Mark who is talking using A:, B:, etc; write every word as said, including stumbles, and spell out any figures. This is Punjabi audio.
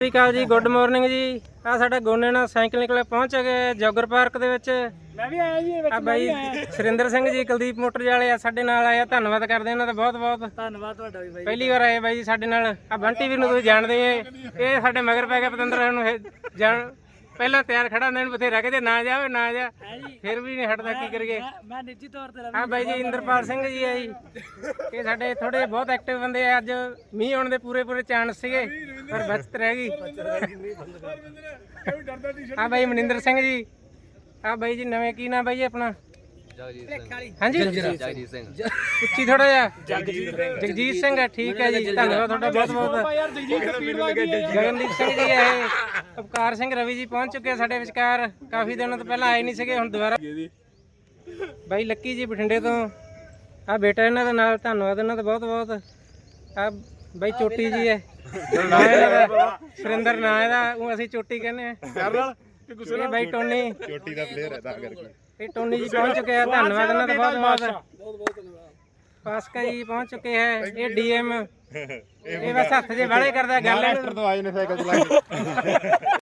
A: ਸਤਿ ਸ਼੍ਰੀ ਅਕਾਲ ਜੀ, ਗੁੱਡ ਮਾਰਨਿੰਗ ਜੀ। ਆ ਸਾਡਾ ਗੋਨੇ ਨਾਲ ਸਾਈਕਲ ਨਿਕਲੇ ਪਹੁੰਚ ਗਏ ਜੋਗਰ ਪਾਰਕ ਦੇ ਵਿੱਚ।
B: ਮੈਂ ਵੀ ਆਇਆ ਜੀ ਵਿੱਚ।
A: ਆ ਬਾਈ ਸੁਰਿੰਦਰ ਸਿੰਘ ਜੀ ਕੁਲਦੀਪ ਮੋਟਰ ਵਾਲੇ ਆ ਸਾਡੇ ਨਾਲ ਆਏ ਆ, ਧੰਨਵਾਦ ਕਰਦੇ ਇਹਨਾਂ ਦਾ ਬਹੁਤ ਬਹੁਤ।
B: ਧੰਨਵਾਦ ਤੁਹਾਡਾ ਵੀ ਬਾਈ।
A: ਪਹਿਲੀ ਵਾਰ ਆਏ ਬਾਈ ਜੀ ਸਾਡੇ ਨਾਲ। ਆ ਬੰਟੀ ਵੀਰ ਨੂੰ ਤੁਸੀਂ ਜਾਣਦੇ ਏ, ਇਹ ਸਾਡੇ ਮਗਰ ਪੈ ਗਿਆ ਪਤੰਦਰ ਨੂੰ ਜਾਣ ਪਹਿਲਾਂ ਤਿਆਰ ਖੜਾ ਹੁੰਦਾ, ਇਹਨੂੰ ਬਥੇਰਾ ਕਹਿੰਦੇ ਨਾ ਜਾਵੇ ਨਾ ਜਾ, ਫਿਰ ਵੀ ਨਹੀਂ ਹਟਦਾ, ਕੀ ਕਰੀਏ।
B: ਮੈਂ ਨਿੱਜੀ ਤੌਰ ਤੇ
A: ਆ ਬਾਈ ਜੀ ਇੰਦਰਪਾਲ ਸਿੰਘ ਜੀ ਆ ਜੀ, ਇਹ ਸਾਡੇ ਥੋੜੇ ਬਹੁਤ ਐਕਟਿਵ ਬੰਦੇ ਆ। ਅੱਜ ਮੀਂਹ ਆਉਣ ਦੇ ਪੂਰੇ ਪੂਰੇ ਚਾਂਸ ਸੀਗੇ ਪਰ ਬਚਤ ਰਹਿ ਗਈ। ਆ ਬਾਈ ਮਨਿੰਦਰ ਸਿੰਘ ਜੀ। ਆ ਬਾਈ ਜੀ ਨਵੇਂ ਕੀ ਨਾਮ ਬਾਈ ਜੀ ਆਪਣਾ? ਹਾਂਜੀ ਜਗਜੀਤ ਸਿੰਘ। ਉੱਚੀ ਥੋੜਾ ਜਿਹਾ। ਜਗਜੀਤ ਸਿੰਘ ਹੈ, ਠੀਕ ਹੈ ਜੀ, ਧੰਨਵਾਦ ਤੁਹਾਡਾ ਬਹੁਤ ਬਹੁਤ। ਗਗਨਦੀਪ ਸਿੰਘ ਜੀ ਹੈ ਇਹ। ਅਵਕਾਰ ਸਿੰਘ ਰਵੀ ਜੀ ਪਹੁੰਚ ਚੁੱਕੇ ਸਾਡੇ ਵਿਚਕਾਰ, ਕਾਫੀ ਦਿਨਾਂ ਤੋਂ ਪਹਿਲਾਂ ਆਏ ਨਹੀਂ ਸੀਗੇ, ਹੁਣ ਦੁਬਾਰਾ। ਬਾਈ ਲੱਕੀ ਜੀ ਬਠਿੰਡੇ ਤੋਂ। ਆ ਬੇਟਾ ਇਹਨਾਂ ਦਾ ਨਾਲ, ਧੰਨਵਾਦ ਇਹਨਾਂ ਦਾ ਬਹੁਤ ਬਹੁਤ। ਆ ਬਾਈ ਚੋਟੀ ਜੀ ਹੈ, ਨਾਂ ਇਹਨਾਂ ਦਾ ਸੁਰਿੰਦਰ ਨਾਂ ਇਹਦਾ, ਉਹ ਅਸੀਂ ਚੋਟੀ ਕਹਿੰਦੇ ਆ। ਇਹ ਬਾਈ ਟੋਨੀ,
C: ਚੋਟੀ ਦਾ ਪਲੇਅਰ ਹੈ ਤਾਂ ਕਰਕੇ।
A: ਇਹ ਟੋਨੀ ਜੀ ਪਹੁੰਚ ਚੁੱਕੇ ਆ, ਧੰਨਵਾਦ ਇਹਨਾਂ ਦਾ ਬਹੁਤ ਬਹੁਤ। ਪਾਸਕਾ ਜੀ ਪਹੁੰਚ ਚੁੱਕੇ ਹੈ, ਇਹ ਡੀਐਮ। ਇਹ ਬਸ ਹੱਥ ਜੇ ਵਾਲੇ ਕਰਦਾ ਗੱਲ।
C: ਤੋਂ ਆਏ ਨੇ ਸਾਈਕਲ ਚਲਾ ਕੇ।